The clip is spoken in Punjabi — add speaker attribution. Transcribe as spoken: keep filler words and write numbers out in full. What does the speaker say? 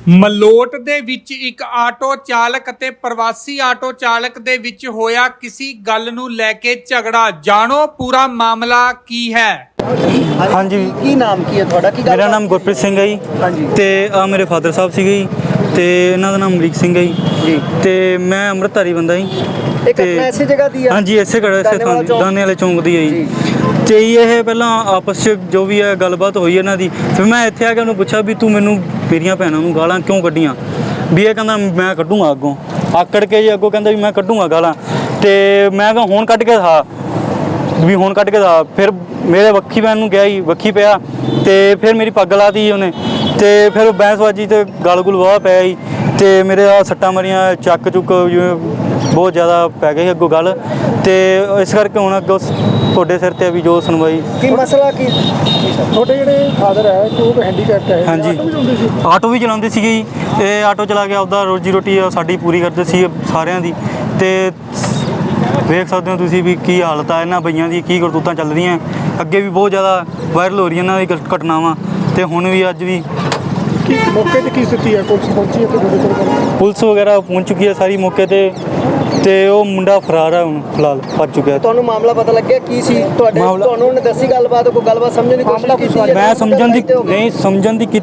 Speaker 1: ਮਲੋਟ ਦੇ ਵਿੱਚ ਇੱਕ ਆਟੋ ਚਾਲਕ ਅਤੇ ਪ੍ਰਵਾਸੀ ਆਟੋ ਚਾਲਕ ਦੇ ਵਿੱਚ ਹੋਇਆ ਕਿਸੇ ਗੱਲ ਨੂੰ ਲੈ ਕੇ ਝਗੜਾ। ਜਾਣੋ ਪੂਰਾ ਮਾਮਲਾ ਕੀ ਹੈ।
Speaker 2: ਹਾਂਜੀ,
Speaker 3: ਕੀ ਨਾਮ ਕੀ ਹੈ ਤੁਹਾਡਾ? ਕੀ ਗੱਲ
Speaker 2: ਮੇਰਾ ਨਾਮ ਗੁਰਪ੍ਰੀਤ ਸਿੰਘ ਹੈ ਜੀ।
Speaker 3: ਹਾਂਜੀ।
Speaker 2: ਤੇ ਆ ਮੇਰੇ ਫਾਦਰ ਸਾਹਿਬ ਸੀਗੇ ਜੀ, ਤੇ ਇਹਨਾਂ ਦਾ ਨਾਮ ਅਮਰੀਕ ਸਿੰਘ ਹੈ ਜੀ।
Speaker 3: ਜੀ।
Speaker 2: ਤੇ ਮੈਂ ਅੰਮ੍ਰਿਤਧਾਰੀ ਬੰਦਾ ਜੀ।
Speaker 3: ਇਹ ਘਟਨਾ ਇਸੇ ਜਗ੍ਹਾ ਦੀ ਹੈ?
Speaker 2: ਹਾਂਜੀ, ਇਸੇ ਘੜਾ ਇਸੇ ਥਾਂ ਦੀ, ਦਾਨੇ ਵਾਲੇ ਚੌਂਕ ਦੀ ਹੈ ਜੀ। ਤੇ ਇਹ ਪਹਿਲਾਂ ਆਪਸ 'ਚ ਜੋ ਵੀ ਹੈ ਗੱਲਬਾਤ ਹੋਈ ਇਹਨਾਂ ਦੀ। ਫਿਰ ਮੈਂ ਇੱਥੇ ਆ ਕੇ ਉਹਨੂੰ ਪੁੱਛਿਆ ਵੀ ਤੂੰ ਮੈਨੂੰ ਮੇਰੀਆਂ ਭੈਣਾਂ ਨੂੰ ਗਾਲਾਂ ਕਿਉਂ ਕੱਢੀਆਂ? ਵੀ ਇਹ ਕਹਿੰਦਾ ਮੈਂ ਕੱਢੂੰਗਾ ਅੱਗੋਂ, ਆਕੜ ਕੇ ਜੀ ਅੱਗੋਂ ਕਹਿੰਦਾ ਵੀ ਮੈਂ ਕੱਢੂੰਗਾ ਗਾਲਾਂ। ਤੇ ਮੈਂ ਕਿਹਾ ਹੁਣ ਕੱਢ ਕੇ ਦਿਖਾ, ਵੀ ਹੁਣ ਕੱਢ ਕੇ ਦਿਖਾ। ਫਿਰ ਮੇਰੇ ਵੱਖੀ ਪੈਣ ਨੂੰ ਗਿਆ ਜੀ, ਵੱਖੀ ਪਿਆ ਤੇ ਫਿਰ ਮੇਰੀ ਪੱਗ ਲਾਤੀ ਉਹਨੇ। ਤੇ ਫਿਰ ਬੈਂਸਬਾਜੀ ਤੇ ਗਲ ਗੁਲ ਵਾਹ ਪਿਆ ਜੀ। ਤੇ ਮੇਰੇ ਆ ਸੱਟਾਂ ਮਾਰੀਆਂ, ਚੱਕ ਚੁੱਕ ਜਿਵੇਂ ਬਹੁਤ ਜ਼ਿਆਦਾ ਪੈ ਗਈ ਅੱਗੋਂ ਗੱਲ। ਤੇ ਇਸ ਕਰਕੇ ਹੁਣ ਅੱਗੋਂ ਤੁਹਾਡੇ ਸਿਰ ਤੇ ਵੀ ਜੋ ਸੁਣਵਾਈ।
Speaker 3: ਕੀ ਮਸਲਾ ਕੀ?
Speaker 4: ਤੁਹਾਡੇ ਜਿਹੜੇ ਫਾਦਰ ਹੈ ਕਿ ਉਹ ਹੈਂਡੀਕੈਪਟ ਹੈ?
Speaker 2: ਹਾਂਜੀ,
Speaker 4: ਆਟੋ ਵੀ ਚਲਾਉਂਦੇ ਸੀ?
Speaker 2: ਆਟੋ ਵੀ ਚਲਾਉਂਦੇ ਸੀਗੇ ਜੀ। ਇਹ ਆਟੋ ਚਲਾ ਕੇ ਆਪਦਾ ਰੋਜੀ ਰੋਟੀ ਸਾਡੀ ਪੂਰੀ ਕਰਦੇ ਸੀ ਸਾਰਿਆਂ ਦੀ। ਤੇ ਵੇਖ ਸਕਦੇ ਹੋ ਤੁਸੀਂ ਵੀ ਕੀ ਹਾਲਤ ਆ ਇਹਨਾਂ ਬਈਆਂ ਦੀ, ਕੀ ਕਰਤੂਤਾਂ ਚੱਲ ਰਹੀਆਂ। ਅੱਗੇ ਵੀ ਬਹੁਤ ਜ਼ਿਆਦਾ ਵਾਇਰਲ ਹੋ ਰਹੀਆਂ ਇਹਨਾਂ ਦੀ ਘਟਨਾਵਾਂ, ਤੇ ਹੁਣ ਵੀ ਅੱਜ ਵੀ।
Speaker 4: ਕੀ ਮੌਕੇ ਤੇ ਕੀ ਸਥਿਤੀ ਹੈ? ਪੁਲਿਸ ਪਹੁੰਚੀ ਹੈ ਤੁਹਾਡੇ ਕੋਲ?
Speaker 2: ਪੁਲਿਸ ਵਗੈਰਾ ਪਹੁੰਚ ਚੁੱਕੀ ਹੈ ਸਾਰੀ ਮੌਕੇ ਤੇ। ਤੇ ਉਹ ਮੁੰਡਾ ਫਰਾਰ ਹੈ ਹੁਣ ਫਿਲਹਾਲ, ਭੱਜ ਚੁੱਕਿਆ।
Speaker 3: ਤੁਹਾਨੂੰ ਮਾਮਲਾ ਪਤਾ ਲੱਗਿਆ ਕੀ ਸੀ? ਤੁਹਾਡੇ
Speaker 2: ਮਾਮਲਾ-
Speaker 3: ਤੁਹਾਨੂੰ ਉਹਨੇ ਦੱਸੀ ਗੱਲਬਾਤ? ਕੋਈ ਗੱਲਬਾਤ ਸਮਝਣ ਦੀ ਕੋਸ਼ਿਸ਼ ਕੀਤੀ?
Speaker 2: ਮੈਂ ਸਮਝਣ ਦੀ ਨਹੀਂ ਸਮਝਣ ਦੀ ਕੀਤੀ